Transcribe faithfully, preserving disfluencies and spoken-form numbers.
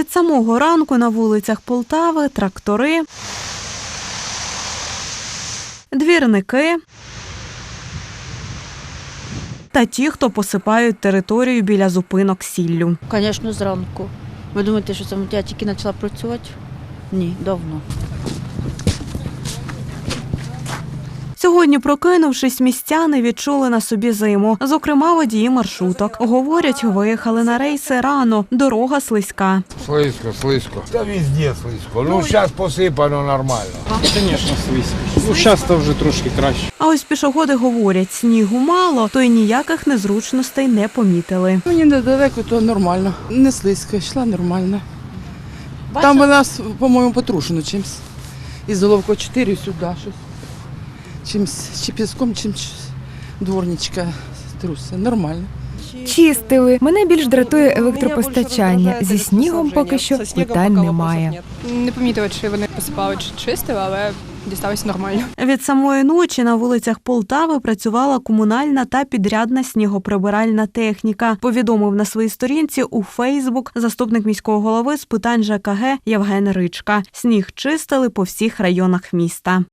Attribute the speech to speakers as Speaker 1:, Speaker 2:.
Speaker 1: Від самого ранку на вулицях Полтави трактори, двірники та ті, хто посипають територію біля зупинок сіллю.
Speaker 2: Звісно, зранку. Ви думаєте, що це я тільки почала працювати? Ні, давно.
Speaker 1: Сьогодні, прокинувшись, містяни відчули на собі зиму. Зокрема, водії маршруток. Говорять, виїхали на рейси рано, дорога слизька.
Speaker 3: Слизько, слизько. Та везде слизько. Ну, зараз посипано нормально.
Speaker 4: Звісно, слизько. Ну, зараз то вже трошки краще.
Speaker 1: А ось пішоходи говорять, снігу мало, то й ніяких незручностей не помітили.
Speaker 5: Мені недалеко, то нормально. Не слизько, йшла нормально. Там у нас, по-моєму, потрушено чимось. Із Головко чотири сюди щось. Чимось, чи піском, чимось дворничка труса. Нормально.
Speaker 6: Чистили. Мене більш дратує електропостачання. Зі снігом поки що питань немає.
Speaker 7: Не помітила, чи вони посипали, чи чистили, але дісталося нормально.
Speaker 1: Від самої ночі на вулицях Полтави працювала комунальна та підрядна снігоприбиральна техніка, повідомив на своїй сторінці у Фейсбук заступник міського голови з питань ЖКГ Євген Ричка. Сніг чистили по всіх районах міста.